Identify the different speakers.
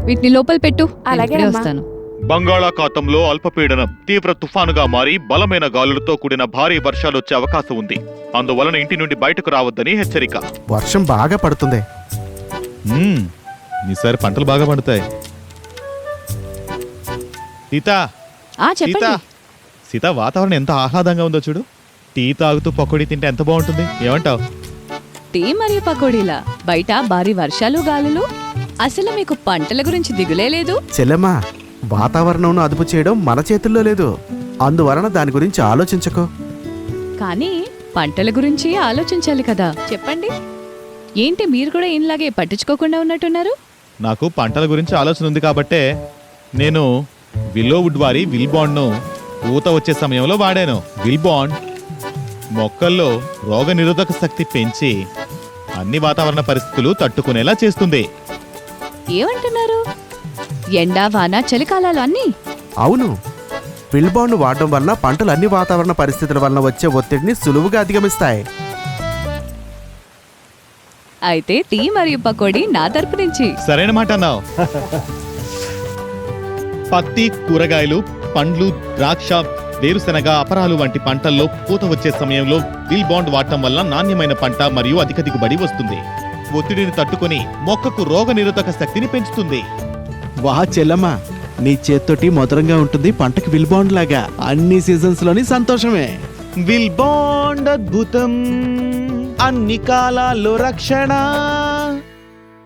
Speaker 1: వీటిని లోపల పెట్టు.
Speaker 2: అలాగే
Speaker 1: ఇప్పుడే
Speaker 2: అమ్మా.
Speaker 1: వస్తాను.
Speaker 3: బంగాళాఖాతంలో అల్పపీడనం తీవ్ర తుఫానుగా మారి బలమైన గాలులతో కూడిన భారీ వర్షాలొచ్చే అవకాశం ఉంది. అందువలన ఇంటి నుండి బయటకు రావద్దని హెచ్చరిక.
Speaker 4: వర్షం బాగా పడుతుంది.
Speaker 5: ఈసారి పంటలు బాగా పండుతాయి. సీత
Speaker 1: చెప్పండి.
Speaker 5: సీత, వాతావరణం ఎంత ఆహ్లాదంగా ఉందో చూడు. టీ తాగుతూ పకోడీ తింటే ఎంత బాగుంటుంది, ఏమంటావు?
Speaker 1: టీ మరియు పకోడీలా? బయట భారీ వర్షాలు గాలులు. అసలు మీకు పంటల గురించి దిగులే లేదు.
Speaker 4: చెల్లెమ్మా, వాతావరణంను అదుపు చేయడం మన చేతుల్లో లేదు. అందువలన దాని గురించి ఆలోచించకు.
Speaker 1: కానీ పంటల గురించి ఆలోచించాలి కదా. చెప్పండి, ఏంటి మీరు కూడా ఈయనలాగే పట్టించుకోకుండా ఉన్నట్టున్నారు?
Speaker 5: నాకు పంటల గురించి ఆలోచన ఉంది కాబట్టే నేను విల్లోవుడ్ వారి విల్ బాండ్ను పూత వచ్చే సమయంలో వాడాను. విల్ బాండ్ మొక్కల్లో రోగ నిరోధక శక్తి పెంచి అన్ని వాతావరణ పరిస్థితులు తట్టుకునేలా చేస్తుంది.
Speaker 1: ఏమంటున్నారు? ఎండా వాన చలికాలాలు అన్నీ?
Speaker 4: అవును, విల్బాండ్ వాడడం వల్ల పంటలు అన్ని వాతావరణ పరిస్థితుల వలన వచ్చే ఒత్తిడిని సులువుగా అధిగమిస్తాయి.
Speaker 1: అయితే టీ మరియు పకోడీ నా తరపు నుంచి.
Speaker 5: సరైన మాట అన్నావు. పత్తి, కూరగాయలు, పండ్లు, ద్రాక్ష, వేరుశెనగ, అపరాలు వంటి పంటల్లో పూత వచ్చే సమయంలో విల్ బాండ్ వాడటం వల్ల నాణ్యమైన పంట మరియు అధిక దిగుబడి వస్తుంది. ఒత్తిడిని తట్టుకొని మొక్కకు రోగ నిరోధక శక్తిని పెంచుతుంది.
Speaker 6: వా చెల్లమ్మ, నీ చేత్తోటి మధురంగా ఉంటుంది పంటకి విల్ బాండ్ లాగా. అన్ని సీజన్స్ లోని సంతోషమే.
Speaker 5: విల్ బాండ్ అద్భుతం, అన్ని కాలాల్లో రక్షణ.